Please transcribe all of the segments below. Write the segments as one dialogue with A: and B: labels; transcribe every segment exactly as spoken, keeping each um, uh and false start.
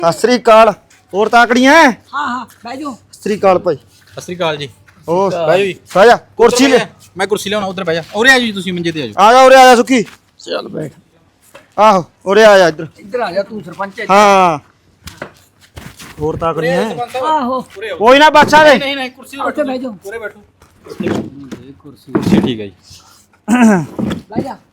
A: ਸਤਿ ਸ੍ਰੀ ਅਕਾਲ। ਹੋਰ ਤਾਕੜੀਆਂ?
B: ਹਾਂ ਹਾਂ ਬਹਿ ਜਾਓ।
A: ਸਤਿ ਸ੍ਰੀ ਅਕਾਲ ਭਾਈ।
C: ਸਤਿ ਸ੍ਰੀ ਅਕਾਲ ਜੀ।
A: ਹੋਰ
C: ਬਹਿ ਜਾਓ ਜੀ।
A: ਬਹਿ ਜਾ ਕੁਰਸੀ ਲੈ।
C: ਮੈਂ ਕੁਰਸੀ ਲਿਆਉਣਾ ਉਧਰ ਬਹਿ ਜਾ। ਉਰੇ ਆ ਜੀ ਤੁਸੀਂ ਮੰਜੇ ਤੇ ਆ ਜਾਓ।
A: ਆ ਜਾ ਉਰੇ ਆ ਜਾ ਸੁੱਖੀ।
B: ਚੱਲ ਬੈਠ।
A: ਆਹੋ ਉਰੇ ਆ ਜਾ ਇੱਧਰ।
B: ਇੱਧਰ ਆ ਜਾ ਤੂੰ ਸਰਪੰਚ ਹੈ।
A: ਹਾਂ ਹੋਰ ਤਾਕੜੀਆਂ?
B: ਆਹੋ
A: ਕੋਈ ਨਾ ਬਾਛਾ ਦੇ।
C: ਨਹੀਂ ਨਹੀਂ ਕੁਰਸੀ
B: ਉੱਥੇ ਬਹਿ ਜਾਓ।
C: ਉਰੇ ਬੈਠੋ। ਕੁਰਸੀ ਕੁਰਸੀ ਠੀਕ ਹੈ ਜੀ।
B: ਬਹਿ ਜਾ।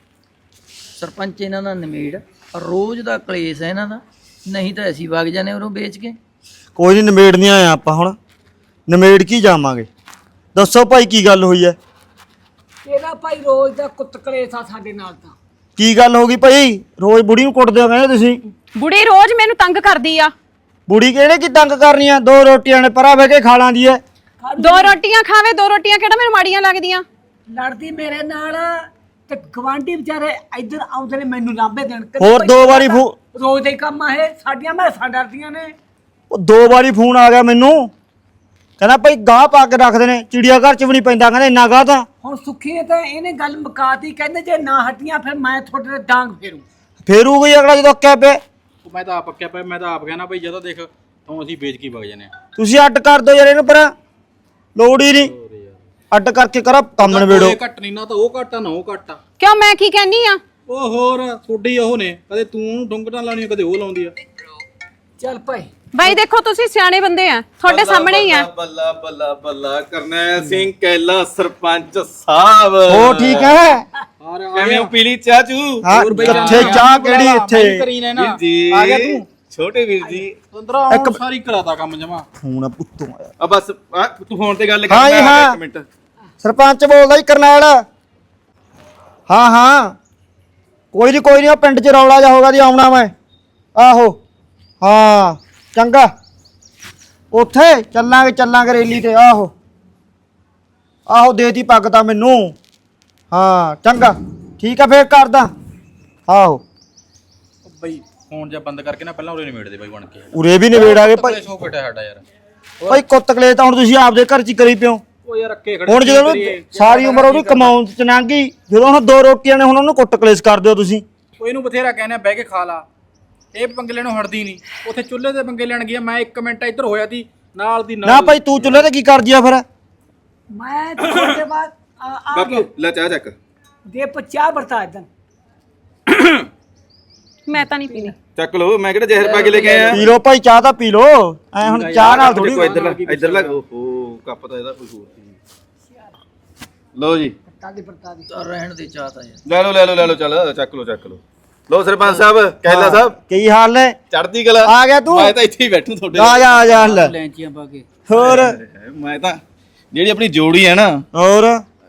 B: ਸਰਪੰਚ ਇਹਨਾਂ ਦਾ ਨਿਮੇੜ ਰੋਜ਼ ਦਾ ਕਲੇਸ਼ ਹੈ ਇਹਨਾਂ ਦਾ, ਨਹੀਂ ਤਾਂ ਅਸੀਂ ਵਗ ਜਾਣੇ ਉਰੋਂ ਵੇਚ ਕੇ।
A: ਕੋਈ ਨਹੀਂ ਨਿਮੇੜਨੀ ਆਏ ਆਪਾਂ ਹੁਣ। ਨਿਮੇੜ ਕੀ ਜਾਵਾਂਗੇ। ਦੱਸੋ ਭਾਈ ਕੀ ਗੱਲ ਹੋਈ ਹੈ?
B: ਇਹਦਾ ਭਾਈ ਰੋਜ਼ ਦਾ ਕੁੱਤ ਕਲੇਸ਼ ਆ ਸਾਡੇ ਨਾਲ ਤਾਂ।
A: ਕੀ ਗੱਲ ਹੋ ਗਈ ਭਾਈ? ਰੋਜ਼ ਬੁੜੀ ਨੂੰ ਕੁੱਟਦੇ ਹੋ ਕਹਿੰਦੇ ਤੁਸੀਂ।
D: ਬੁੜੀ ਰੋਜ਼ ਮੈਨੂੰ ਤੰਗ ਕਰਦੀ ਆ।
A: ਬੁੜੀ ਕਿਹੜੇ ਕੀ ਤੰਗ ਕਰਨੀ ਆ? ਦੋ ਰੋਟੀਆਂ ਨੇ ਪਰਾਂ ਬਹਿ ਕੇ ਖਾ ਲਾਂਦੀ ਐ।
D: ਦੋ ਰੋਟੀਆਂ ਖਾਵੇ, ਦੋ ਰੋਟੀਆਂ ਕਿਹੜਾ ਮੈਨੂੰ ਮਾੜੀਆਂ ਲੱਗਦੀਆਂ?
B: ਲੜਦੀ ਮੇਰੇ ਨਾਲ ਤੇ ਗਵਾਂਢੀ ਵਿਚਾਰੇ ਇੱਧਰ ਆਉਂਦੇ ਨੇ ਮੈਨੂੰ ਲਾਂਭੇ ਦੇਣ। ਕਦੇ
A: ਹੋਰ
B: ਭਾਈ
A: ਦੋ ਵਾਰੀ ਫੋ-
B: ਰੋਜ਼ ਦੇ ਕੰਮ ਆ ਇਹ। ਸਾਡੀਆਂ ਮੈਸਾਂ ਡਰਦੀਆਂ ਨੇ।
A: ਉਹ ਦੋ ਵਾਰੀ ਫੋਨ ਆ ਗਿਆ ਮੈਨੂੰ, ਕਹਿੰਦਾ ਭਾਈ ਗਾਹ ਪਾ ਕੇ ਰੱਖਦੇ ਨੇ, ਚਿੜੀਆ ਘਰ ਚ ਵੀ ਨਹੀਂ ਪੈਂਦਾ ਕਹਿੰਦਾ ਇੰਨਾ ਗਾਹ ਤਾਂ।
B: ਹੁਣ ਸੁੱਖੀ ਨੇ ਤਾਂ ਇਹਨੇ ਗੱਲ ਮੁਕਾਤੀ, ਕਹਿੰਦੇ ਜੇ ਨਾ ਹਟੀਆਂ ਫਿਰ ਮੈਂ ਤੁਹਾਡੇ ਤੇ ਡਾਂਗ ਫੇਰੂ।
A: ਫੇਰੂ ਗਈ ਅਗਲਾ ਜਦੋਂ ਅੱਕਿਆ ਪਿਆ।
C: ਉਹ ਮੈਂ ਤਾਂ ਆਪ ਪੱਕਿਆ ਪਿਆ। ਮੈਂ ਤਾਂ ਆਪ ਕਹਿਣਾ ਭਾਈ ਜਦੋਂ ਦੇਖ ਤੂੰ ਅਸੀਂ ਵੇਚ ਕੇ ਵਗ ਜਾਣੇ ਆ।
A: ਤੁਸੀਂ ਅੱਡ ਕਰ ਦਿਓ ਯਾਰ ਇਹਨੂੰ, ਪਰ ਲੋੜ ਹੀ ਨਹੀਂ। ਅੱਡ ਕਰਕੇ ਕਰਾ ਕੰਮ ਨਵੇੜੋ।
C: ਇਹ ਘੱਟ ਨਹੀਂ ਨਾ ਤਾਂ ਉਹ ਘੱਟ ਆ ਨਾ ਉਹ ਘੱਟ ਆ।
D: ਕਿਉਂ ਮੈਂ ਕੀ ਕਹਿਨੀ ਆ?
C: ਉਹ ਹੋਰ ਥੋੜੀ ਉਹ ਨੇ, ਕਦੇ ਤੂੰ ਡੁੰਗਟਾਂ ਲਾਉਣੀਆਂ ਕਦੇ ਉਹ ਲਾਉਂਦੀ ਆ।
B: ਚੱਲ ਭਾਈ
D: ਬਾਈ ਦੇਖੋ ਤੁਸੀਂ ਸਿਆਣੇ ਬੰਦੇ ਆ, ਤੁਹਾਡੇ ਸਾਹਮਣੇ ਹੀ ਆ।
E: ਬੱਲਾ ਬੱਲਾ ਬੱਲਾ ਕਰਨੈਲ ਸਿੰਘ ਕੈਲਾ ਸਰਪੰਚ ਸਾਹਿਬ।
A: ਹੋ ਠੀਕ ਹੈ?
E: ਕਿਵੇਂ ਹੋ? ਪੀਲੀ ਚਾਹ ਚੂ?
A: ਹਾਂ ਕਿੱਥੇ ਚਾਹ ਕਿਹੜੀ ਇੱਥੇ?
C: ਕਰੀ ਨੇ ਨਾ
E: ਵੀਰ ਜੀ
C: ਆ ਗਿਆ ਤੂੰ
E: ਛੋਟੇ ਵੀਰ ਜੀ।
C: ਅੰਦਰੋਂ
A: ਇੱਕ-
C: ਸਾਰੀ ਕਰਾਤਾ ਕੰਮ ਜਮਾ।
A: ਫੋਨ ਆ ਪੁੱਤੋਂ ਆਇਆ।
E: ਆ ਬਸ ਆ, ਤੂੰ ਫੋਨ ਤੇ ਗੱਲ ਕਰ।
A: ਹਾਂ ਜੀ,
E: ਮੈਂ ਆ ਗਿਆ
A: ਹਾਂ।
E: ਇੱਕ ਮਿੰਟ।
A: ਸਰਪੰਚ ਬੋਲਦਾ ਜੀ ਕਰਨੈਲ। ਹਾਂ ਹਾਂ ਕੋਈ ਨਹੀਂ ਕੋਈ ਨਹੀਂ, ਉਹ ਪਿੰਡ ਚ ਰੌਲਾ ਜਾ ਹੋਗਾ ਜੀ, ਆਉਣਾ ਮੈਂ। ਆਹੋ ਹਾਂ ਚੰਗਾ, ਉੱਥੇ ਚੱਲਾਂਗੇ ਚੱਲਾਂਗੇ ਰੈਲੀ ਤੇ। ਆਹੋ ਆਹੋ ਦੇਤੀ ਪੱਗ ਤਾਂ ਮੈਨੂੰ। ਹਾਂ ਚੰਗਾ ਠੀਕ ਆ ਫੇਰ ਕਰਦਾ। ਆਹੋ
C: ਉਹ ਬਈ ਫੋਨ ਜਾਂ ਬੰਦ ਕਰਕੇ ਨਾ ਪਹਿਲਾਂ ਉਰੇ ਨਿਬੇੜ ਦੇ ਬਾਈ ਬਣ ਕੇ।
A: ਉਰੇ ਵੀ ਨਿਬੇੜਾਂਗੇ ਭਾਈ।
C: ਸੋ ਬੈਠਾ ਸਾਡਾ ਯਾਰ।
A: ਭਾਈ ਕੁੱਤ ਕਲੇ ਤਾਂ ਹੁਣ ਤੁਸੀਂ ਆਪਦੇ ਘਰ ਚ ਹੀ ਕਰੀ ਪਿਓ।
C: ਉਹ ਯਾਰ ਅੱਕੇ ਖੜੇ
A: ਹੁਣ ਜਦੋਂ ਉਹਨੂੰ ਸਾਰੀ ਉਮਰ ਉਹਦੀ ਕਮਾਉਣ ਚ ਲੰਘ ਗਈ, ਜਦੋਂ ਹੁਣ ਦੋ ਰੋਟੀਆਂ ਨੇ ਹੁਣ ਉਹਨੂੰ ਕੁੱਟ ਕਲੇਸ਼ ਕਰ ਦਿਓ ਤੁਸੀਂ।
C: ਉਹ ਇਹਨੂੰ ਬਥੇਰਾ ਕਹਿੰਦੇ ਬਹਿ ਕੇ ਖਾ ਲਾ, ਇਹ ਪੰਗੇ ਲੈਣੋਂ ਹਟਦੀ ਨਹੀਂ। ਉੱਥੇ ਚੁੱਲ੍ਹੇ ਤੇ ਪੰਗੇ ਲੈਣ ਗਿਆ, ਮੈਂ ਇੱਕ ਮਿੰਟ ਇੱਧਰ ਹੋਇਆ ਸੀ ਨਾਲ ਦੀ
A: ਨਾ
C: ਨਾਲ।
A: ਭਾਈ ਤੂੰ ਚੁੱਲ੍ਹੇ ਤੇ ਕੀ ਕਰਦੀ ਆ ਫਿਰ?
B: ਮੈਂ ਤੁਹਾਡੇ ਬਾਅਦ ਆ ਆ
E: ਬਾਪੂ ਲੈ ਚਾਹ ਚੱਕ।
B: ਦੇ ਪਚਾ ਵਰਤਾ ਇਦਾਂ।
D: ਮੈਂ ਤਾਂ ਨਹੀਂ ਪੀਣੀ।
E: ਚੱਕ ਲੋ, ਮੈਂ ਕਿਹੜਾ ਜ਼ਹਿਰ ਪਾ ਕੇ ਲੈ ਕੇ ਆਇਆ।
A: ਪੀ ਲੋ ਭਾਈ ਚਾਹ ਤਾਂ ਪੀ ਲੋ। ਐ ਹੁਣ ਚਾਹ ਨਾਲ ਥੋੜੀ।
E: ਦੇਖੋ ਇੱਧਰ ਲੱਗ ਇੱਧਰ ਲੱਗ। ਓਹੋ ਕੱਪ ਤਾਂ ਇਹਦਾ ਕੋਈ ਹੋਰ ਸੀ। ਲਓ ਜੀ
B: ਪੱਤਾ ਦੀ ਪੱਤਾ ਦੀ ਤਾਂ ਰਹਿਣ ਦੇ ਚਾਹਤਾ ਯਾਰ।
E: ਲੈ ਲਓ ਲੈ ਲਓ ਲੈ ਲਓ, ਚੱਲ ਚੱਕ ਲਓ ਚੱਕ ਲਓ। ਲਓ ਸਰਪੰਚ ਸਾਹਿਬ ਕੈਲਾ ਸਾਹਿਬ
A: ਕੀ ਹਾਲ ਨੇ?
E: ਚੜ੍ਹਦੀ ਕਲਾ।
A: ਆ ਗਿਆ ਤੂੰ?
E: ਮੈਂ ਤਾਂ ਇੱਥੇ ਹੀ ਬੈਠੂ ਤੁਹਾਡੇ।
A: ਆ ਜਾ ਆ ਜਾ ਲੈ।
B: ਲੈਂਚੀਆਂ ਪਾ ਕੇ
A: ਹੋਰ
E: ਮੈਂ ਤਾਂ ਜਿਹੜੀ ਆਪਣੀ ਜੋੜੀ ਹੈ ਨਾ,
A: ਹੋਰ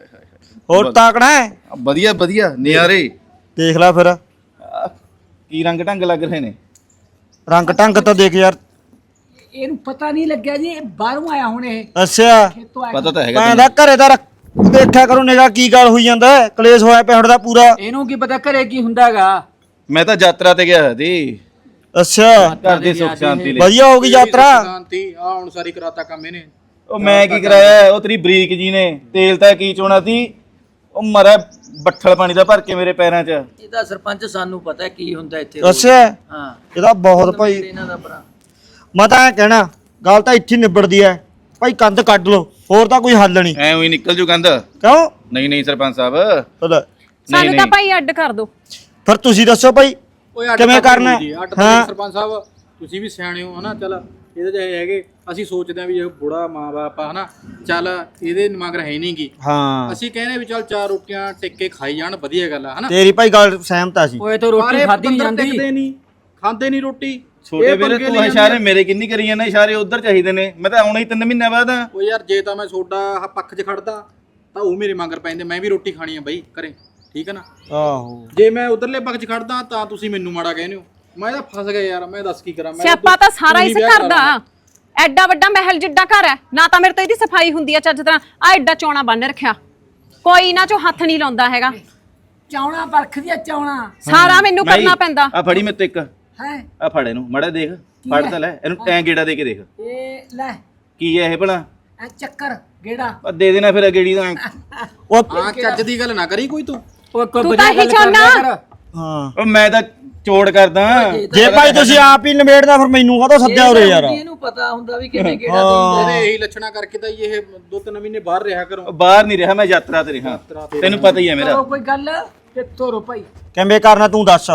A: ਹੋਰ ਤਾਕੜਾ ਹੈ?
E: ਵਧੀਆ ਵਧੀਆ ਨਿਆਰੇ।
A: ਦੇਖ ਲੈ ਫਿਰ
E: ਆਹ, ਕੀ ਰੰਗ ਢੰਗ ਲੱਗ ਰਹੇ ਨੇ।
A: ਰੰਗ ਢੰਗ ਤਾਂ ਦੇਖ ਯਾਰ।
B: ਇਹਨੂੰ ਪਤਾ ਨਹੀਂ ਲੱਗਿਆ ਜੀ ਇਹ ਬਾਹਰੋਂ ਆਇਆ ਹੁਣ। ਇਹ
A: ਅੱਛਾ
B: ਖੇਤੋਂ ਆਇਆ।
E: ਪਤਾ ਤਾਂ ਹੈਗਾ
A: ਮੈਂ ਦਾ ਘਰੇ ਦਾ ਦੇਖਿਆ ਕਰੋ ਨਿਗਾ ਕੀ ਗੱਲ ਹੋਈ ਜਾਂਦਾ ਹੈ। ਕਲੇਸ਼ ਹੋਇਆ ਪਿਆ ਦਾ ਪੂਰਾ।
B: ਇਹਨੂੰ ਕੀ ਪਤਾ ਘਰੇ ਕੀ ਹੁੰਦਾਗਾ।
E: ਮੈਂ ਤਾਂ ਯਾਤਰਾ ਤੇ ਗਿਆ ਸੀ।
A: ਅੱਛਾ
E: ਘਰ ਦੀ ਸੁੱਖ ਸ਼ਾਂਤੀ ਲਈ।
A: ਵਧੀਆ ਹੋ ਗਈ ਯਾਤਰਾ।
C: ਸ਼ਾਂਤੀ ਆ ਹੁਣ ਸਾਰੀ ਕਰਾਤਾ ਕੰਮ ਇਹਨੇ।
E: ਉਹ ਮੈਂ ਕੀ ਕਰਾਇਆ, ਉਹ ਤੇਰੀ ਬਰੀਕ ਜੀ ਨੇ ਤੇਲ ਤਾਂ ਕੀ ਚੋਣਾ ਸੀ। ਉਹ ਮਰਾ ਬੱਠਲ ਪਾਣੀ ਦਾ ਭਰ ਕੇ ਮੇਰੇ ਪੈਰਾਂ 'ਚ।
B: ਇਹਦਾ ਸਰਪੰਚ ਸਾਨੂੰ ਪਤਾ ਕੀ ਹੁੰਦਾ ਇੱਥੇ।
A: ਅੱਛਾ
B: ਹਾਂ
A: ਇਹਦਾ ਬਹੁਤ ਭਾਈ।
B: ਇਹਨਾਂ ਦਾ ਭਰਾ
A: ਮੈਂ ਤਾਂ ਐਂ ਕਹਿਣਾ ਗੱਲ ਤਾਂ ਇੱਥੇ ਹੀ ਨਿਬੜਦੀ ਐ ਭਾਈ। ਕੰਧ ਕੱਢ ਲੋ, ਹੋਰ ਤਾਂ ਕੋਈ ਹੱਲ ਨਹੀਂ।
E: ਐ ਉਹੀ ਨਿਕਲ ਜੂ ਕੰਧ।
A: ਕਿਉਂ?
E: ਨਹੀਂ ਨਹੀਂ ਸਰਪੰਚ ਸਾਹਿਬ,
A: ਲੈ,
D: ਸਾਨੂੰ ਤਾਂ ਭਾਈ ਅੱਡ ਕਰ ਦੋ।
A: ਫਿਰ ਤੁਸੀਂ ਦੱਸੋ ਭਾਈ
C: ਓਏ ਅੱਡ
A: ਕਿਵੇਂ
C: ਤਾਂ
A: ਕਰਨਾ?
C: ਜੀ, ਅੱਡ
A: ਹਾਂ।
C: ਤਾਂ ਸਰਪੰਚ ਸਾਹਿਬ ਤੁਸੀਂ ਵੀ ਸਿਆਣੇ ਹੋ ਹਨਾ। ਚੱਲ ਇਹਦੇ ਜਿਹੇ ਹੈਗੇ, ਅਸੀਂ ਸੋਚਦੇ ਆ ਵੀ ਇਹ ਬੁੜਾ ਮਾਂ ਬਾਪ ਆ ਹਨਾ, ਚੱਲ ਇਹਦੇ ਮਗਰ ਹੈ ਨਹੀਂਗੀ।
A: ਹਾਂ
C: ਅਸੀਂ ਕਹਿੰਦੇ ਵੀ ਚੱਲ ਚਾਰ ਰੋਟੀਆਂ ਟਿੱਕ ਕੇ ਖਾਈ ਜਾਣ, ਵਧੀਆ ਗੱਲ ਆ ਹਨਾ।
A: ਤੇਰੀ ਭਾਈ ਗੱਲ ਸਹਿਮਤ ਆ ਸੀ।
B: ਓਏ ਤਾਂ ਰੋਟੀ ਖਾਦੀ ਨਹੀਂ ਜਾਂਦੀ।
C: ਟਿਕਦੇ ਨਹੀਂ, ਖਾਂਦੇ ਨਹੀਂ ਰੋਟੀ।
E: ਛੋਟੇ
C: ਇਹ
E: ਵੀਰੇ
C: ਪੰਗੇ
E: ਤੂੰ
C: ਲਈ
E: ਇਸ਼ਾਰੇ ਮੇਰੇ ਕਿੰਨੀ ਕਰੀ ਜਾਂਦਾ। ਇਸ਼ਾਰੇ ਉਧਰ ਚਾਹੀਦੇ ਨੇ। ਮੈਂ ਤਾਂ ਆਉਣਾ ਹੀ ਤਿੰਨ ਮਹੀਨਿਆਂ ਬਾਅਦ ਆ।
C: ਓ ਯਾਰ ਜੇ ਤਾਂ ਮੈਂ ਸੋਡਾ ਪੱਖ 'ਚ ਖੜਦਾ ਤਾਂ ਉਹ ਮੇਰੇ ਮਗਰ ਪੈਂਦੇ। ਮੈਂ ਵੀ ਰੋਟੀ ਖਾਣੀ ਆ ਬਈ ਘਰੇ, ਠੀਕ ਹੈ ਨਾ।
A: ਆਹੋ
C: ਜੇ ਮੈਂ ਉਧਰਲੇ ਪੱਖ 'ਚ ਖੜਦਾ ਤਾਂ ਤੁਸੀਂ ਮੈਨੂੰ ਮਾੜਾ ਕਹਿੰਦੇ ਹੋ। ਮੈਂ ਤਾਂ ਫਸ ਗਿਆ ਯਾਰ, ਮੈਂ ਦੱਸ ਕੀ ਕਰਾਂ। ਮੈਂ
D: ਸਿਆਪਾ ਤਾਂ ਸਾਰਾ ਇਸ ਘਰ ਦਾ। ਐਡਾ ਵੱਡਾ ਮਹਿਲ ਜਿੱਡਾ ਘਰ ਹੈ ਨਾ, ਤਾਂ ਮੇਰੇ ਤੋਂ ਇਹਦੀ ਸਫਾਈ ਹੁੰਦੀ ਆ ਚੱਜ ਤਰ੍ਹਾਂ। ਆ ਐਡਾ ਚੌਣਾ ਬੰਨ ਰੱਖਿਆ, ਕੋਈ ਇਹਨਾਂ ਚੋਂ ਹੱਥ ਨਹੀਂ ਲਾਉਂਦਾ ਹੈਗਾ।
B: ਚਾਉਣਾ ਪਰਖਦੀ ਆ ਚਾਉਣਾ।
D: ਸਾਰਾ ਮੈਨੂੰ ਕਰਨਾ ਪੈਂਦਾ।
E: ਆ ਫੜੀ ਮੇਰੇ ਤੋਂ ਇੱਕ।
B: ਹੈ
E: ਆ ਫੜ ਇਹਨੂੰ ਮੜਾ ਦੇਖ। ਫੜ ਤਾਂ ਲੈ ਇਹਨੂੰ, ਟੈਂ ਗੇੜਾ ਦੇ ਕੇ ਦੇਖ
B: ਇਹ ਲੈ
E: ਕੀ ਹੈ ਇਹ ਭਲਾ।
B: ਐ ਚੱਕਰ ਗੇੜਾ।
E: ਆ ਦੇ ਦੇਣਾ ਫਿਰ ਗੇੜੀ ਦਾ।
A: ਉਹ
C: ਹਾਂ ਚੱਜ ਦੀ ਗੱਲ ਨਾ ਕਰੀ ਕੋਈ ਤੂੰ।
B: ਓਏ
D: ਤੂੰ ਤਾਂ ਹੀ ਚਾਹੁੰਦਾ।
A: ਹਾਂ
E: ਉਹ ਮੈਂ ਤਾਂ ਚੋੜ ਕਰਦਾ
A: ਜੇ ਭਾਈ ਤੁਸੀਂ ਆਪ ਹੀ ਨਿਬੇੜਦਾ ਫਿਰ ਮੈਨੂੰ ਕਾਹਤੋਂ ਸੱਦਿਆ ਉਰੇ ਯਾਰ
B: ਇਹਨੂੰ ਪਤਾ ਹੁੰਦਾ ਵੀ ਕਿਵੇਂ ਕਿਹੜਾ ਦਿਨ
C: ਤੇਰੇ ਇਹੀ ਲੱਛਣਾ ਕਰਕੇ ਤਾਂ ਇਹ ਦੋ ਤਿੰਨ ਮਹੀਨੇ ਬਾਹਰ ਰਿਹਾ ਕਰੋ।
E: ਬਾਹਰ ਨਹੀਂ ਰਿਹਾ, ਮੈਂ ਯਾਤਰਾ ਤੇ ਰਿਹਾ, ਤੈਨੂੰ ਪਤਾ ਹੀ ਹੈ ਮੇਰਾ।
B: ਕੋਈ ਗੱਲ ਕਿੱਥੋਂ ਰੋ ਭਾਈ
A: ਕਿਵੇਂ ਕਰਨਾ ਤੂੰ ਦੱਸ।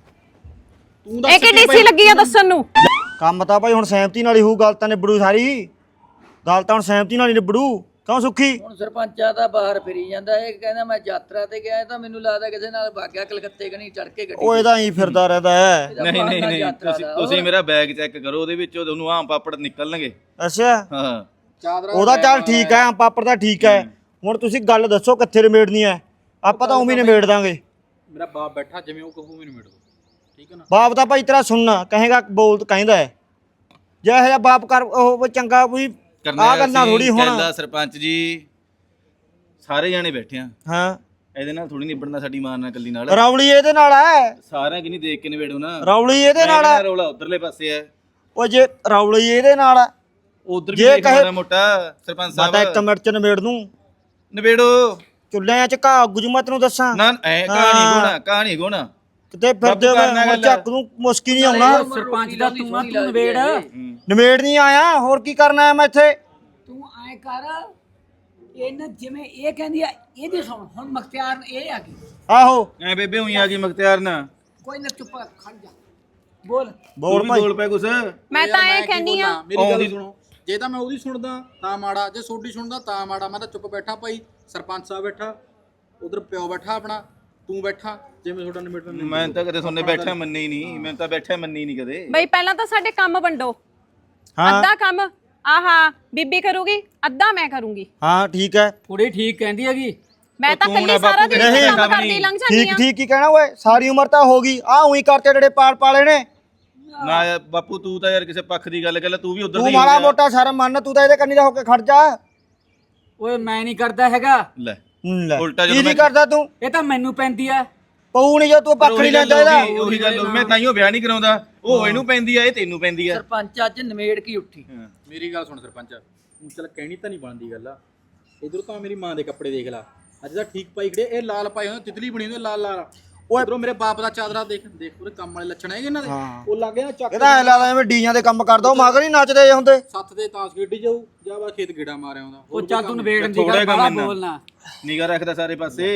C: ਤੂੰ
D: ਇਹ ਕਿ ਡੀਸੀ ਲੱਗੀ ਆ ਦੱਸਣ ਨੂੰ।
A: ਕੰਮ ਤਾਂ ਭਾਈ ਹੁਣ ਸਹਿਮਤੀ ਨਾਲ ਹੀ ਹੋਊ, ਗੱਲ ਤਾਂ ਨਿਬੜੂ ਸਾਰੀ। ਗੱਲ ਤਾਂ ਹੁਣ ਸਹਿਮਤੀ ਨਾਲ ਹੀ ਨਿਬੜੂ। ਕਿਉਂ ਸੁੱਖੀ?
B: ਹੁਣ ਸਰਪੰਚਾ ਦਾ ਬਾਹਰ ਫਿਰੀ ਜਾਂਦਾ ਇਹ ਕਹਿੰਦਾ ਮੈਂ ਯਾਤਰਾ ਤੇ ਗਿਆ ਤਾਂ ਮੈਨੂੰ ਲੱਗਦਾ ਕਿਸੇ ਨਾਲ ਭਾਗਿਆ ਕਲਕੱਤੇ ਕਨੀ ਚੜ ਕੇ ਗੱਡੀ
A: ਉਹ ਇਹਦਾ ਹੀ ਫਿਰਦਾ ਰਹਿੰਦਾ ਹੈ।
E: ਨਹੀਂ ਨਹੀਂ ਨਹੀਂ ਤੁਸੀਂ ਤੁਸੀਂ ਮੇਰਾ ਬੈਗ ਚੈੱਕ ਕਰੋ, ਉਹਦੇ ਵਿੱਚ ਉਹਨੂੰ ਆਮ ਪਾਪੜ ਨਿਕਲਣਗੇ।
A: ਅੱਛਾ
E: ਹਾਂ
C: ਚਾਦਰਾ
A: ਉਹਦਾ ਚੱਲ ਠੀਕ ਹੈ, ਪਾਪੜ ਦਾ ਠੀਕ ਹੈ। ਹੁਣ ਤੁਸੀਂ ਗੱਲ ਦੱਸੋ ਕਿੱਥੇ ਨਿਬੇੜਨੀ ਹੈ, ਆਪਾਂ ਤਾਂ ਉਵੇਂ ਹੀ ਨਿਬੇੜ ਦਾਂਗੇ।
C: ਮੇਰਾ ਬਾਪ ਬੈਠਾ ਜਿਵੇਂ ਉਹ ਕਹੂ ਮੈਨੂੰ ਮਿਟ ਦੋ, ਠੀਕ ਹੈ ਨਾ।
A: ਬਾਪ ਤਾਂ ਭਾਈ ਤੇਰਾ ਸੁਣਨਾ ਕਹੇਗਾ, ਬੋਲ ਕਹਿੰਦਾ ਹੈ। ਜੇ ਇਹ ਜਿਹਾ ਬਾਪ ਕਰ ਉਹ ਚੰਗਾ ਕੋਈ ਆ ਗੱਲਾਂ ਥੋੜੀ ਹੋਣਾ।
E: ਕਹਿੰਦਾ ਸਰਪੰਚ ਜੀ ਸਾਰੇ ਜਾਣੇ ਬੈਠੇ ਆ,
A: ਹਾਂ
E: ਇਹਦੇ ਨਾਲ ਥੋੜੀ ਨਿਬੜਨਾ, ਸਾਡੀ ਮਾਂ ਨਾਲ ਕੱਲੀ ਨਾਲ।
A: ਰੌਲੀ ਇਹਦੇ ਨਾਲ ਹੈ,
E: ਸਾਰਿਆਂ ਕਿ ਨਹੀਂ ਦੇਖ ਕੇ ਨਿਬੇੜੋ ਨਾ।
A: ਰੌਲੀ ਇਹਦੇ ਨਾਲ ਹੈ।
E: ਰੌਲਾ ਉਧਰਲੇ ਪਾਸੇ ਹੈ।
A: ਉਹ ਜੇ ਰੌਲੀ ਇਹਦੇ ਨਾਲ ਹੈ,
E: ਉਧਰ ਵੀ
A: ਜੇ
E: ਦੇਖ
A: ਕਹੇ-
E: ਮਾੜਾ ਮੋਟਾ ਸਰਪੰਚ
A: ਮੈਂ ਤਾਂ ਇੱਕ
E: ਸਾਹਿਬ
A: ਮਿੰਟ ਚ ਨਿਬੇੜ ਦੂੰ।
E: ਨਿਬੇੜੋ
A: ਚੁੱਲ੍ਹਿਆਂ ਚ ਘਾਹ ਗੁਜਮਤ ਨੂੰ ਦੱਸਾਂ
E: ਨਾ, ਐ ਕਹਾਣੀ ਗੋਣਾ ਕਹਾਣੀ ਗੋਣਾ
A: ਕਿਤੇ ਫਿਰਦੇ
E: ਕਰਨਾ
A: ਹੋਏ
E: ਗੱਲ।
A: ਚੱਕ ਨੂੰ ਮੁਸ਼ਕੀ ਨਹੀਂ ਆਉਣਾ।
B: ਸਰਪੰਚ ਦਾ ਤੂੰ ਆ ਤੂੰ ਨਵੇੜ
A: ਨਿਬੇੜ ਨਹੀਂ ਆਇਆ, ਹੋਰ ਕੀ ਕਰਨਾ ਹੈ ਮੈਂ ਇੱਥੇ।
F: ਤੂੰ ਐ ਕਰ ਇਹਨਾਂ ਜਿਵੇਂ ਇਹ ਕਹਿੰਦੀ ਆ ਇਹਦੀ ਸੁਣ ਹੁਣ ਮਖਤਿਆਰ ਇਹ ਆ ਗਈ
A: ਆਹੋ
E: ਐ ਬੇਬੇ ਹੋਈ ਆ ਗਈ ਮਖਤਿਆਰ ਨਾ।
F: ਕੋਈ ਨਾ ਚੁੱਪ ਕਰ, ਖੜ ਜਾ ਬੋਲ
A: ਬੋਲ
E: ਤੂੰ
A: ਭਾਈ।
E: ਵੀ ਬੋਲ ਪੈ ਕੁਛ।
D: ਮੈਂ ਤਾਂ ਇਹ ਕਹਿੰਨੀ ਆ
C: ਮੇਰੀ ਗੱਲ ਸੁਣੋ, ਜੇ ਤਾਂ ਮੈਂ ਉਹਦੀ ਸੁਣਦਾ ਤਾਂ ਮਾੜਾ, ਜੇ ਸੋਡੀ ਸੁਣਦਾ ਤਾਂ ਮਾੜਾ। ਮੈਂ ਤਾਂ ਚੁੱਪ ਬੈਠਾ ਭਾਈ, ਸਰਪੰਚ ਸਾਹਿਬ ਬੈਠਾ, ਉਧਰ ਪਿਓ ਬੈਠਾ ਆਪਣਾ, ਤੂੰ ਬੈਠਾ, ਜਿਵੇਂ ਤੁਹਾਡਾ ਨਿਬੇੜਨ।
E: ਮੈਂ ਤਾਂ ਕਦੇ ਸੁਣਨੇ ਬੈਠਾ ਮੰਨੇ ਹੀ ਨਹੀਂ, ਮੈਂ ਤਾਂ ਬੈਠਾ ਮੰਨੀ ਨਹੀਂ ਕਦੇ।
D: ਬਈ ਪਹਿਲਾਂ ਤਾਂ ਸਾਡੇ ਕੰਮ ਵੰਡੋ।
A: ਹਾਂ
D: ਅੱਧਾ ਕੰਮ ਆਹਾ ਬੀਬੀ ਕਰੂਗੀ, ਅੱਧਾ ਮੈਂ ਕਰੂੰਗੀ।
A: ਹਾਂ ਠੀਕ ਹੈ,
F: ਕੁੜੀ ਠੀਕ ਕਹਿੰਦੀ ਹੈਗੀ।
D: ਮੈਂ ਤਾਂ
E: ਤੂੰ
D: ਕੱਲੀ
E: ਨਾ
D: ਸਾਰਾ
E: ਬਾਪੂ
D: ਦਿਨ
A: ਨਹੀਂ,
D: ਕੰਮ ਕਰਦੀ ਲੰਘ ਜਾਂਦੀ
A: ਠੀਕ
D: ਆ।
A: ਠੀਕ ਹੀ ਕਹਿਣਾ ਓਏ, ਸਾਰੀ ਉਮਰ ਤਾਂ ਹੋ ਗਈ। ਆ ਉਹੀ ਕਰਤੇ ਜਿਹੜੇ ਪਾਲ ਪਾਲੇ ਨੇ।
E: ਨਾ ਯਾਰ ਬਾਪੂ ਤੂੰ ਤਾਂ ਯਾਰ ਕਿਸੇ ਪੱਖ ਦੀ ਗੱਲ ਕਰ ਲੈ, ਤੂੰ ਵੀ ਉਧਰ
A: ਤੂੰ
E: ਦੀ
A: ਮਾੜਾ ਮੋਟਾ ਸ਼ਰਮ ਮੰਨ, ਤੂੰ ਤਾਂ ਇਹਦੇ ਕੰਨੀ ਦਾ ਹੋ ਕੇ ਖੜ ਜਾ।
F: ਓਏ ਮੈਂ ਨਹੀਂ ਕਰਦਾ ਹੈਗਾ,
E: ਲੈ
A: ਹੂੰ ਲੈ
E: ਉਲਟਾ ਜਦੋਂ
A: ਕੀ ਨਹੀਂ
E: ਮੈਂ-
A: ਕਰਦਾ ਤੂੰ,
F: ਇਹ ਤਾਂ ਮੈਨੂੰ ਪੈਂਦੀ ਆ।
A: ਪਊ ਨਹੀਂ ਜੋ ਤੂੰ ਪੱਖ ਨਹੀਂ ਲੈਂਦਾ ਇਹਦਾ।
E: ਉਹੀ- ਉਹੀ ਗੱਲ ਮੈਂ ਤਾਈਓ ਵਿਆਹ ਨਹੀਂ ਕਰਾਉਂਦਾ। ਉਹ ਇਹਨੂੰ ਪੈਂਦੀ ਆ, ਇਹ ਤੈਨੂੰ ਪੈਂਦੀ ਆ।
B: ਸਰਪੰਚ ਅੱਜ ਨਵੇੜ ਕੀ ਉੱਠੀ।
C: ਮੇਰੀ ਗੱਲ ਸੁਣ ਸਰਪੰਚ, ਹੁਣ ਚੱਲ ਕਹਿਣੀ ਤਾਂ ਨਹੀਂ ਬਣਦੀ ਗੱਲ ਆ। ਇਧਰੋਂ ਤਾਂ ਮੇਰੀ ਮਾਂ ਦੇ ਕੱਪੜੇ ਦੇਖ ਲਾ, ਅੱਜ ਤਾਂ ਠੀਕ ਪਾਈ ਖੜੇ, ਇਹ ਲਾਲ ਪਾਏ ਹੁੰਦੇ, ਤਿਤਲੀ ਬਣੀ ਹੁੰਦੀ ਲਾਲ ਲਾਲ।
A: ਓਏ
C: ਉਧਰੋਂ ਮੇਰੇ ਬਾਪ ਦਾ ਚਾਦਰਾ ਦੇਖ ਦੇਖ, ਉਹਦੇ ਕੰਮ ਵਾਲੇ ਲੱਛਣ ਹੈਗੇ ਇਹਨਾਂ ਦੇ। ਉਹ ਲੱਗ ਗਿਆ ਚੱਕ
A: ਇਹਦਾ ਐ ਲੱਗਦਾ ਐਵੇਂ ਡੀਆਂ ਦੇ ਕੰਮ ਕਰਦਾ, ਉਹ ਮਗਰ ਹੀ ਨੱਚਦੇ ਜੇ ਹੁੰਦੇ।
C: ਸੱਤ ਦੇ ਤਾਸ ਖੇਡੀ ਜਾਊ, ਜਾਂ ਬਾ ਖੇਤ ਗੇੜਾ ਮਾਰਿਆ ਹੁੰਦਾ।
F: ਉਹ ਚੱਲ ਤੂੰ ਨਵੇੜਨ ਦੀ
E: ਥੋੜ੍ਹਾ
F: ਗੱਲ
E: ਕੰਮ
F: ਬੜਾ
E: ਇੰਨਾ।
F: ਬੋਲਣਾ।
E: ਨਿਗਾ ਰੱਖਦਾ ਸਾਰੇ ਪਾਸੇ।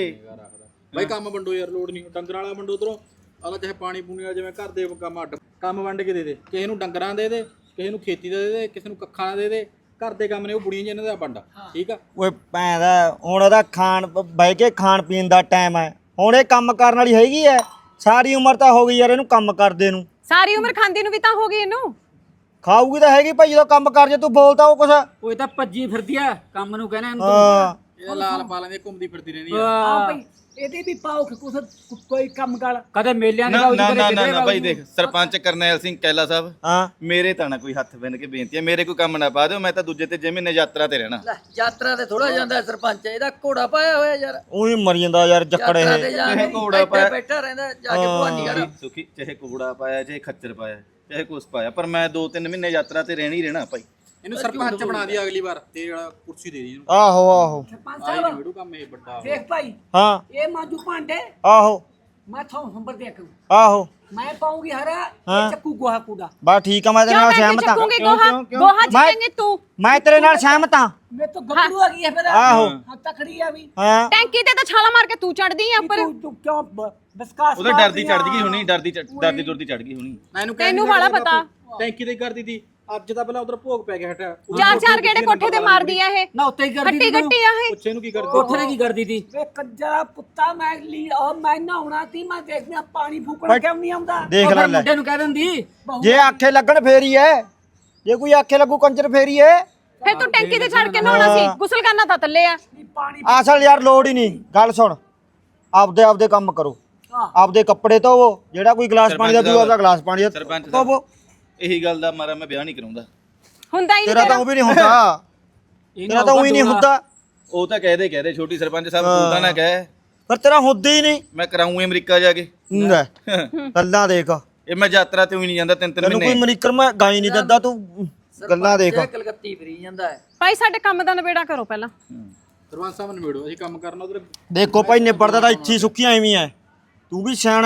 C: ਬਾਈ ਕੰਮ ਵੰਡੋ ਯਾਰ, ਲੋੜ ਨਹੀਂ ਡੰਗਰਾਂ ਵਾਲਾ ਵੰਡੋ। ਉਧਰੋਂ ਆਦਾ ਚਾਹੇ ਪਾਣੀ ਪੂਣੀ ਵਾਲਾ, ਜਿਵੇਂ ਘਰ ਦੇ ਕੰਮ ਅੱਡ ਕੰਮ ਵੰਡ ਕੇ ਦੇ ਦੇ। ਕਿਸੇ ਨੂੰ ਡੰਗਰਾਂ ਦੇ ਦੇ, ਕਿਸੇ ਨੂੰ ਖੇਤੀ ਦਾ ਦੇ ਦੇ, ਕਿਸੇ ਨੂੰ ਕੱਖਾਂ ਦਾ ਦੇ ਦੇ। ਘਰ ਦੇ ਕੰਮ ਨੇ ਉਹ ਬੁੜੀਆਂ ਜਿਹਨਾਂ ਦਾ ਵੰਡ, ਠੀਕ ਆ।
A: ਓਏ ਭੈਣ ਦਾ ਹੁਣ ਉਹਦਾ ਖਾਣ ਬਹਿ ਕੇ ਖਾਣ ਪੀਣ ਦਾ ਟਾਈਮ ਹੈ, ਹੁਣ ਇਹ ਕੰਮ ਕਰਨ ਵਾਲੀ ਹੈਗੀ ਐ। ਸਾਰੀ ਉਮਰ ਤਾਂ ਹੋ ਗਈ ਯਾਰ ਇਹਨੂੰ ਕੰਮ ਕਰਦੇ ਨੂੰ।
D: ਸਾਰੀ ਉਮਰ ਖਾਂਦੀ ਨੂੰ ਵੀ ਤਾਂ ਹੋ ਗਈ ਇਹਨੂੰ।
A: ਖਾਊਗੀ ਤਾਂ ਹੈਗੀ ਭਾਈ, ਜਦੋਂ ਕੰਮ ਕਰ ਜੇ ਤੂੰ ਬੋਲਦਾ ਉਹ ਕੁਛ।
F: ਓਏ ਤਾਂ ਭੱਜੀ ਫਿਰਦੀ ਆ, ਕੰਮ ਨੂੰ ਕਹਿਣਾ ਇਹਨੂੰ।
A: ਹਾਂ
C: ਇਹ ਲਾਲ ਪਾ ਲੈਂਦੇ, ਘੁੰਮਦੀ ਫਿਰਦੀ ਰਹਿੰਦੀ ਆ।
F: ਆ ਭਈ ਇਹਦੇ ਵੀ ਪਾਓ ਕਿ ਕੁਛ ਕੋਈ ਕੰਮ ਕਰ ਕਦੇ ਮੇਲਿਆਂ ਦੇ
E: ਨਾ
F: ਬਾਉ
E: ਨਾ
F: ਜੀ
E: ਨਾ
F: ਕਰੇ
E: ਨਾ
F: ਕਿਧਰੇ
E: ਨਾ ਭਾਈ
F: ਬਾਊ
E: ਦੇਖ, ਸਰਪੰਚ ਕਰਨੈਲ ਸਿੰਘ ਕੈਲਾ ਸਾਹਿਬ,
A: ਹਾਂ
E: ਮੇਰੇ ਤਾਂ ਨਾ ਕੋਈ ਹੱਥ ਬੰਨ ਕੇ ਬੇਨਤੀ ਹੈ, ਮੇਰੇ ਕੋਈ ਕੰਮ ਨਾ ਪਾ ਦਿਓ। ਮੈਂ ਤਾਂ ਦੂਜੇ ਤੇ ਜੇ ਮਹੀਨੇ ਯਾਤਰਾ ਤੇ ਰਹਿਣਾ।
B: ਲੈ ਯਾਤਰਾ ਤੇ ਥੋੜਾ ਜਾਂਦਾ ਹੈ ਸਰਪੰਚ, ਇਹਦਾ ਘੋੜਾ ਪਾਇਆ ਹੋਇਆ ਯਾਰ।
A: ਉਹੀ ਮਰ ਜਾਂਦਾ ਯਾਰ ਜੱਕੜ
B: ਯਾਤਰਾ
A: ਇਹ।
B: ਤੇ ਜਾ ਕੇ
E: ਘੋੜਾ
B: ਇੱਥੇ
E: ਪਾਇਆ।
B: ਬੈਠਾ ਰਹਿੰਦਾ ਜਾ ਕੇ ਭਵਾਨੀ ਘਰ।
E: ਸੁਖੀ ਚਾਹੇ ਕੋੜਾ ਪਾਇਆ, ਚਾਹੇ ਖੱਚਰ ਪਾਇਆ, ਚਾਹੇ ਕੁਛ ਪਾਇਆ, ਪਰ ਮੈਂ ਦੋ ਤਿੰਨ ਮਹੀਨੇ ਯਾਤਰਾ ਤੇ ਰਹਿਣਾ ਹੀ ਰਹਿਣਾ ਭਾਈ।
C: ਇਹਨੂੰ ਸਰਪੰਚ ਬਣਾ ਦੀ ਅਗਲੀ ਵਾਰ, ਤੇ ਜਿਹੜਾ ਕੁਰਸੀ ਦੇ ਦੀ ਇਹਨੂੰ।
A: ਆਹੋ ਆਹੋ
F: ਸਰਪੰਚ
C: ਆਈ
F: ਸਾਹਿਬ
C: ਨਿਬੜੂ ਕੰਮ ਇਹ ਵੱਡਾ।
F: ਦੇਖ ਭਾਈ
A: ਹਾਂ
F: ਇਹ ਮਾਜੂ ਭਾਂਡੇ
A: ਆਹੋ
F: ਮੈਂ ਥੋਂ ਹੰਬਰ ਦੇ ਕੇ
A: ਆਹੋ
F: ਮੈਂ ਪਾਉਂਗੀ ਹਰਾ
A: ਹਾਂ।
F: ਇਹ ਚੱਕੂ ਗੋਹਾ ਕੂੜਾ।
A: ਬਸ ਠੀਕ ਆ, ਮੈਂ ਤੇਰੇ
D: ਕਿਉਂ
A: ਨਾਲ
D: ਮੈਂ
A: ਸਹਿਮਤ ਹਾਂ।
D: ਚੱਕੂਗੀ ਗੋਹਾ ਗੋਹਾ ਚੱਕੇਂਗੀ ਤੂੰ।
A: ਮੈਂ ਤੇਰੇ ਨਾਲ ਸਹਿਮਤ ਹਾਂ।
F: ਮੈਂ ਤਾਂ ਗੱਭਰੂ ਆ ਗਈ ਹੈ ਫਿਰ।
A: ਆਹੋ।
F: ਹਾਂ ਤਕੜੀ ਆ ਵੀ।
A: ਹਾਂ
D: ਟੈਂਕੀ ਤੇ ਤਾਂ ਛਾਲਾ ਮਾਰ ਕੇ ਤੂੰ ਚੜਦੀ ਆ ਉੱਪਰ।
F: ਤੂੰ ਤੂੰ ਕਿਉਂ ਬ- ਬਸਕਾਸ
E: ਉਹਦਾ ਡਰਦੀ ਚੜ ਗਈ ਹੋਣੀ, ਡਰਦੀ ਚੜ੍ਹ- ਡਰਦੀ ਦੁਰਦੀ ਚੜ ਗਈ ਹੋਣੀ।
C: ਮੈਨੂੰ
D: ਤੈਨੂੰ ਵਾਲਾ ਪਤਾ।
C: ਟੈਂਕੀ ਤੇ ਕਰਦੀ ਤੀ, ਅੱਜ ਤਾਂ ਪਹਿਲਾਂ ਉਧਰ ਭੋਗ ਪੈ ਗਿਆ ਹਟਿਆ।
D: ਚਾਰ ਚਾਰ ਗੇੜੇ ਕੋਠੇ ਤੇ ਮਾਰਦੀ ਆ ਇਹ।
F: ਨਾ ਉੱਤੇ ਹੀ ਕਰਦੀ
D: ਗੱਟੀ
F: ਤੂੰ।
D: ਗੱਟੀ ਆ ਇਹ।
C: ਪੁੱਛੇ ਨੂੰ ਕੀ ਕਰਦੀ?
F: ਕੋਠੇ ਤੇ ਕੀ ਕਰਦੀ ਤੀ? ਵੇ ਕੰਜਰਾ ਪੁੱਤਾ ਮੈਂ ਲੀ ਉਹ ਮੈਂ ਨਹਾਉਣਾ ਤੀ, ਮੈਂ ਦੇਖਦਾ ਪਾਣੀ ਫੂਕਣ ਕਿਉਂ ਨਹੀਂ ਆਉਂਦਾ।
A: ਦੇਖ
F: ਉਹ
A: ਲੈ
F: ਫਿਰ
A: ਲੈ,
F: ਮੁੰਡੇ ਨੂੰ ਕਹਿ ਦਿੰਦੀ
A: ਜੇ ਆਖੇ ਲੱਗਣ ਫੇਰ ਹੀ ਐ, ਜੇ ਕੋਈ ਆਖੇ ਲੱਗੂ ਕੰਜਰ ਫੇਰ ਹੀ ਐ।
D: ਫਿਰ ਤੂੰ ਟੈਂਕੀ ਤੇ ਛੱਡ ਕੇ ਨਹਾਉਣਾ ਸੀ, ਗੁਸਲ ਕਰਨਾ ਤਾਂ ਥੱਲੇ ਆ।
F: ਵੀ ਪਾਣੀ
A: ਅਸਲ ਯਾਰ ਲੋੜ ਹੀ ਨਹੀਂ। ਗੱਲ ਸੁਣ, ਆਪਦੇ ਆਪਦੇ ਕੰਮ ਕਰੋ,
F: ਹਾਂ।
A: ਆਪਦੇ ਕੱਪੜੇ ਧੋਵੋ। ਜਿਹੜਾ ਕੋਈ ਗਲਾਸ ਪਾਣੀ ਦਾ ਪੀਊਗਾ, ਆਪਦਾ ਗਲਾਸ ਪਾਣੀ ਦਾ
E: ਸਰਪੰਚ ਸਾਹਿਬ,
A: ਧੋਵੋ।
E: ਇਹੀ ਗੱਲ ਦਾ ਮਾਰਾ ਮੈਂ ਵਿਆਹ ਨਹੀਂ ਕਰਾਉਂਦਾ।
D: ਹੁੰਦਾ ਹੀ
A: ਤੇਰਾ
D: ਨਹੀਂ
A: ਤਾਂ ਉਹ ਵੀ ਨਹੀਂ ਹੁੰਦਾ, ਤੇਰਾ ਤਾਂ ਉਹ ਹੀ ਨਹੀਂ ਹੁੰਦਾ।
E: ਉਹ ਤਾਂ ਕਹਦੇ ਕਹਦੇ ਛੋਟੀ ਸਰਪੰਚ ਸਾਹਿਬ, ਤੂੰ ਤਾਂ ਨਾ ਕਹਿ।
A: ਪਰ ਤੇਰਾ ਹੁੰਦਾ ਹੀ ਨਹੀਂ
E: ਮੈਂ ਕਰਾਊਂ ਅਮਰੀਕਾ ਜਾ ਕੇ।
A: ਲੈ ਗੱਲਾਂ ਦੇਖ,
E: ਇਹ ਮੈਂ ਯਾਤਰਾ ਤੇ ਵੀ ਨਹੀਂ ਜਾਂਦਾ ਤਿੰਨ ਤਿੰਨ
A: ਤੈਨੂੰ ਕੋਈ
E: ਮਹੀਨੇ।
A: ਮਨੀਕਰ ਮੈਂ ਗਾਈ ਨਹੀਂ ਦਿੰਦਾ, ਤੂੰ ਗੱਲਾਂ ਦੇਖ।
B: ਸਰਪੰਚ ਕਲਕੱਤੀ ਫਿਰੀ ਜਾਂਦਾ ਹੈ।
D: ਭਾਈ ਸਾਡੇ ਕੰਮ ਦਾ ਨਵੇੜਾ ਕਰੋ ਪਹਿਲਾਂ।
C: ਸਰਪੰਚ ਸਾਹਿਬ ਨਿਬੇੜੋ, ਅਸੀਂ ਕੰਮ ਕਰਨਾ ਉਧਰ।
A: ਦੇਖੋ ਭਾਈ ਨਿਬੜਦਾ ਤਾਂ ਇੱਥੇ ਹੀ ਸੁੱਕੀਆਂ ਐਵੇਂ ਐ। ਤੂੰ ਵੀ ਸਿਆਣਾ ਹੈ,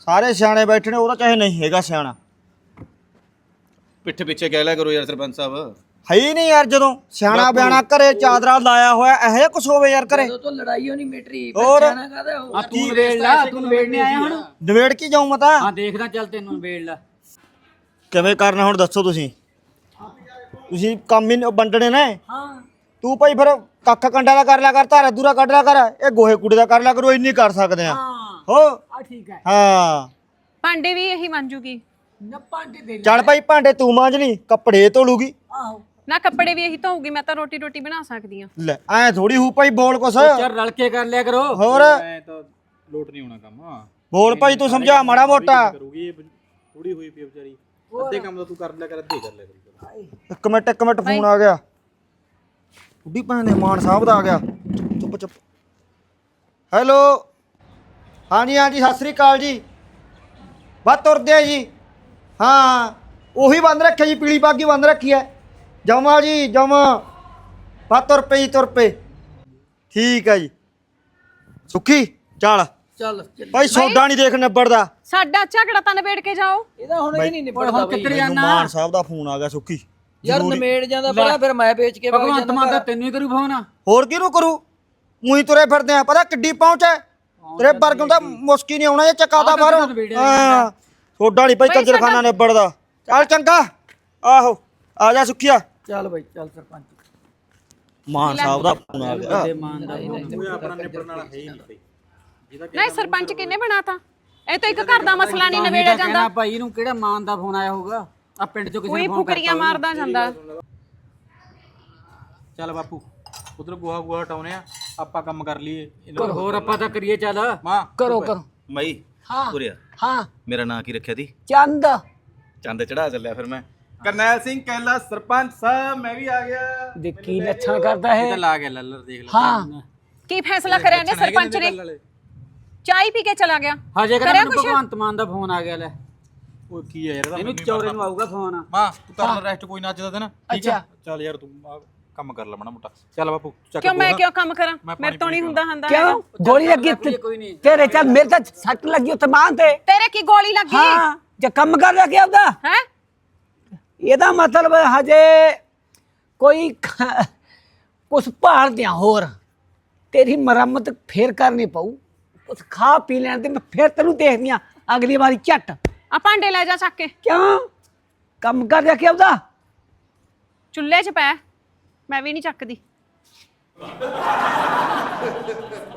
A: ਸਾਰੇ ਸਿਆਣੇ ਬੈਠੇ ਨੇ, ਉਹਦਾ ਚਾਹੇ ਨਹੀਂ ਹੈਗਾ ਸਿਆਣਾ।
E: ਪਿੱਠ ਪਿੱਛੇ ਕਹਿ ਲਿਆ ਕਰੋ ਯਾਰ ਸਰਪੰਚ ਸਾਹਿਬ।
A: ਹੈ ਹੀ ਨਹੀਂ ਯਾਰ, ਜਦੋਂ ਸਿਆਣਾ ਬਿਆਣਾ ਘਰੇ ਚਾਦਰਾ ਲਾਇਆ ਹੋਇਆ ਇਹੋ ਜਿਹਾ ਕੁਛ ਹੋਵੇ ਯਾਰ ਘਰੇ।
B: ਜਦੋਂ ਤੋਂ ਲੜਾਈ ਹੋਣੀ ਮਿਟਰੀ
A: ਹੋਰ?
B: ਬੱਚਿਆਂ ਕਾਹਦਾ ਉਹ
G: ਆ ਤੂੰ ਵੇੜ ਲਾ, ਤੂੰ ਵੇੜਨੇ ਆਇਆ ਹੁਣ।
A: ਨਵੇੜ ਕੀ ਜਾਊਂ ਮੈਂ ਤਾਂ।
G: ਹਾਂ ਦੇਖਦਾ, ਚੱਲ ਤੈਨੂੰ ਵੇੜ ਲਾ।
A: ਕਿਵੇਂ ਕਰਨਾ ਹੁਣ ਦੱਸੋ ਤੁਸੀਂ? ਤੁਸੀਂ ਕੰਮ ਹੀ ਵੰਡਣੇ ਨੇ।
F: ਹਾਂ
A: ਤੂੰ ਭਾਈ ਫਿਰ ਕੱਖ ਕੰਡਾ ਦਾ ਕਰ ਲਿਆ ਕਰ, ਧਾਰਾ ਦੂਰਾ ਕੱਢ ਲਿਆ ਕਰ, ਇਹ ਗੋਹੇ ਕੂੜੇ ਦਾ ਕਰ ਲਿਆ ਕਰੋ, ਇੰਨੀ ਕਰ ਸਕਦੇ ਆ।
F: ਹਾਂ
A: ਹੋ
F: ਆ ਠੀਕ ਹੈ।
A: ਹਾਂ
D: ਭਾਂਡੇ ਵੀ ਇਹੀ ਮੰਜੂਗੀ।
F: ਨਾ ਭਾਂਡੇ ਦੇ ਲੈ।
A: ਚੱਲ ਭਾਈ, ਭਾਂਡੇ ਤੂੰ ਮਾਂਜ ਲਈ, ਕੱਪੜੇ ਧੋ ਲੂਗੀ।
F: ਆਹੋ
D: ਨਾ ਕੱਪੜੇ ਵੀ ਇਹੀ ਧੋਊਗੀ, ਮੈਂ ਤਾਂ ਰੋਟੀ ਰੋਟੀ ਬਣਾ ਸਕਦੀ ਆ।
A: ਲੈ ਐ ਥੋੜੀ ਹੂ ਭਾਈ, ਬੋਲ ਕੁਛ
G: ਚੱਲ ਰਲ ਕੇ ਕਰ ਲਿਆ ਕਰੋ।
A: ਹੋਰ
C: ਐ ਤਾਂ ਲੋਟ ਨਹੀਂ ਹੋਣਾ ਕੰਮ। ਹਾਂ
A: ਬੋਲ ਭਾਈ, ਤੂੰ ਸਮਝਾ ਮਾੜਾ ਮੋਟਾ।
C: ਕਰੂਗੀ ਇਹ ਥੋੜੀ ਹੋਈ ਪਈ ਵਿਚਾਰੀ। ਅੱਧੇ ਕੰਮ ਤਾਂ ਤੂੰ ਕਰ ਲਿਆ ਕਰ, ਅੱਧੇ ਕਰ ਲਿਆ ਕਰੀ।
A: ਇੱਕ ਮਿੰਟ ਇੱਕ ਮਿੰਟ ਫੋਨ ਆ ਗਿਆ। ਬੁੱਢੀ ਭੈਣ ਦੇ ਮਾਨ ਸਾਹਿਬ ਦਾ ਆ ਗਿਆ। ਚੁੱਪ ਚੁੱਪ। ਹੈਲੋ, ਹਾਂਜੀ ਹਾਂਜੀ, ਸਤਿ ਸ੍ਰੀ ਅਕਾਲ ਜੀ। ਬਸ ਤੁਰਦੇ ਆ ਜੀ। ਹਾਂ ਉਹੀ ਬੰਦ ਰੱਖਿਆ ਜੀ, ਪੀਲੀ ਬਾਗੀ ਬੰਦ ਰੱਖੀ ਹੈ। ਜਮਾ ਜੀ ਜਮਾ। ਬਸ ਤੁਰ ਪਏ ਜੀ, ਤੁਰ ਪਏ। ਠੀਕ ਹੈ ਜੀ। ਸੁੱਖੀ ਚੱਲ
B: ਚੱਲ ਚੱਲ।
A: ਭਾਈ, ਸੌਦਾ ਨਹੀਂ ਦੇਖ ਨਿਬੜਦਾ।
D: ਸਾਡਾ ਝਗੜਾ ਤਾਂ ਨਿਬੇੜ ਕੇ ਜਾਓ।
B: ਇਹਦਾ ਹੁਣ ਇਹ ਨਹੀਂ ਨਿਬੜਦਾ
G: ਹੁਣ
B: ਬਈ।
G: ਕਿੱਧਰ
A: ਮੈਨੂੰ
G: ਜਾਣਾ?
A: ਮਾਨ ਸਾਹਿਬ ਦਾ ਫੋਨ ਆ ਗਿਆ ਸੁੱਖੀ।
B: ਯਾਰ ਨਮੇੜ ਜਾਂਦਾ ਪਹਿਲਾਂ, ਫਿਰ ਮੈਂ ਵੇਚ ਕੇ ਵਗ
G: ਭਗਵੰਤ
B: ਜਾਂਦਾ
G: ਮਾਨ ਦਾ
B: ਘਰ।
G: ਤੈਨੂੰ ਹੀ ਕਰੂ ਫੋਨ।
A: ਹੋਰ ਕਿਹਨੂੰ ਕਰੂ? ਉਹੀ ਤੁਰੇ ਫਿਰਦੇ ਆ, ਪਤਾ ਕਿੱਡੀ ਪਹੁੰਚ ਹੈ ਤੇਰੇ ਵਰਗੋਂ ਦਾ। ਮੁਸ਼ਕੀ ਨਹੀਂ ਆਉਣਾ, ਇਹ ਚੱਕਾ ਦਾ ਬਾਹਰੋਂ। ਹਾਂ ਸੋਡਾ ਨਹੀਂ ਭਾਈ ਕੰਜਰਖਾਨਾ ਨਿਬੜਦਾ। ਚੱਲ ਚੰਗਾ। ਆਹੋ ਆ ਜਾ ਸੁੱਖੀਆ।
B: ਚੱਲ ਬਈ ਚੱਲ ਸਰਪੰਚ।
A: ਮਾਨ ਸਾਹਿਬ ਦਾ ਫੋਨ ਆ ਗਿਆ।
G: ਤੇ ਮਾਨ ਦਾ
C: ਕੋਈ ਆਪਣਾ ਨਿਬੜਨ ਵਾਲਾ ਹੈ ਹੀ ਨਹੀਂ ਭਾਈ।
D: ਨਹੀਂ ਸਰਪੰਚ ਕਿੰਨੇ ਬਣਾਤਾ? ਇਹ ਤਾਂ ਇੱਕ ਘਰ ਦਾ ਮਸਲਾ ਨਹੀਂ ਨਿਬੇੜਿਆ ਜਾਂਦਾ।
G: ਭਾਈ ਇਹਨੂੰ ਕਿਹੜਾ ਮਾਨ ਦਾ ਫੋਨ ਆਇਆ ਹੋਊਗਾ? ਆ ਪਿੰਡ ਚੋਂ ਕਿਸੇ
D: ਕੋਈ
G: ਨੇ ਫੋਨ
D: ਫੁਕਰੀਆਂ ਮਾਰਦਾ ਜਾਂਦਾ।
C: ਚੱਲ ਬਾਪੂ, ਉਧਰ ਗੋਹਾ ਗੋਹਾ ਹਟਾਉਨੇ ਆ, ਆਪਾਂ ਕੰਮ ਕਰ ਲਈਏ।
G: ਕਰ। ਹੋਰ ਆਪਾਂ ਤਾਂ ਕਰੀਏ। ਚੱਲ
C: ਮਾਂ
F: ਕਰੋ ਕਰੋ।
E: ਮਈ
F: ਹਾਂ
E: ਉਰਿਆ,
F: ਹਾਂ
E: ਮੇਰਾ ਨਾਂ ਕੀ ਰੱਖਿਆ ਤੀ?
F: ਚੰਦ।
E: ਚੰਦ ਚੜਾ ਚੱਲਿਆ ਫਿਰ ਮੈਂ। ਕਰਨੈਲ ਸਿੰਘ ਕਹਿਲਾ ਸਰਪੰਚ ਸਾਹਿਬ, ਮੈਂ ਵੀ ਆ ਗਿਆ।
F: ਦੇਖੀ ਲੱਛਣ ਕਰਦਾ
C: ਇਹ
F: ਹੈ।
C: ਤਾਂ ਲਾ ਗਿਆ ਲੱਲਰ, ਦੇਖ ਲੈ।
F: ਹਾਂ
D: ਕੀ ਫੈਸਲਾ ਕਰਿਆ ਨੇ ਸਰਪੰਚ ਨੇ? ਚਾਹ ਪੀ ਕੇ ਚਲਾ ਗਿਆ।
G: ਹਜੇ
D: ਕਰਿਆ
G: ਕਹਿੰਦਾ
D: ਕੁਛ?
G: ਭਗਵੰਤ ਮਾਨ ਦਾ ਫੋਨ ਆ ਗਿਆ। ਲੈ
C: ਉਹ ਕੀ ਹੈ ਯਾਰ ਇਹਦਾ?
G: ਇਹਨੂੰ ਚੌਰੇ ਨੂੰ ਆਊਗਾ ਫੋਨ।
C: ਮਾਂ ਤੂੰ ਕਰ ਲੈ ਰੈਸਟ, ਕੋਈ ਨਾ ਅੱਜ ਦਾ ਦਿਨ। ਠੀਕ ਆ?
F: ਅੱਛਾ।
C: ਚੱਲ ਯਾਰ ਤੂੰ ਆਹ ਕੰਮ ਕਰ ਲੈ ਮਾੜਾ ਮੋਟਾ। ਚੱਲ ਬਾਪੂ ਚੱਕ
D: ਕਿਉਂ ਮੈਂ
C: ਗੋਹਾ।
D: ਕਿਉਂ ਕੰਮ ਕਰਾਂ?
C: ਮੈਂ
D: ਮੇਰੇ ਤੋਂ
C: ਪਾਣੀ
D: ਨਹੀਂ ਹੁੰਦਾ ਹੁੰਦਾ।
F: ਕਿਉਂ ਗੋਲੀ ਲੱਗੀ ਤੇ-
G: ਕੋਈ ਨਹੀਂ।
F: ਤੇਰੇ ਚੱਲ ਮੇਰੇ ਤਾਂ ਸੱਟ ਲੱਗੀ ਉੱਥੇ ਮਾਂ ਤੇ।
D: ਤੇਰੇ ਕੀ ਗੋਲੀ ਲੱਗੀ?
F: ਹਾਂ ਜੇ ਕੰਮ ਕਰ ਲਿਆ ਕਿ ਆਪਦਾ,
D: ਹੈ
F: ਇਹਦਾ ਮਤਲਬ ਹਜੇ ਕੋਈ ਖ- ਕੁਛ ਭਾਲ ਦਿਆਂ ਹੋਰ ਤੇਰੀ ਮੁਰੰਮਤ ਫੇਰ ਕਰਨੀ ਪਊ। ਕੁਛ ਖਾ ਪੀ ਲੈਣ ਤੇ ਮੈਂ ਫੇਰ ਤੈਨੂੰ ਦੇਖਦੀ ਆ ਅਗਲੀ ਵਾਰੀ ਝੱਟ।
D: ਆ ਭਾਂਡੇ ਲੈ ਜਾ ਚੱਕ ਕੇ।
F: ਕਿਉਂ ਕੰਮ ਕਰ ਲਿਆ ਕਿ ਆਪਦਾ?
D: ਚੁੱਲ੍ਹੇ 'ਚ ਪੈ, ਮੈਂ ਵੀ ਨਹੀਂ ਚੱਕਦੀ।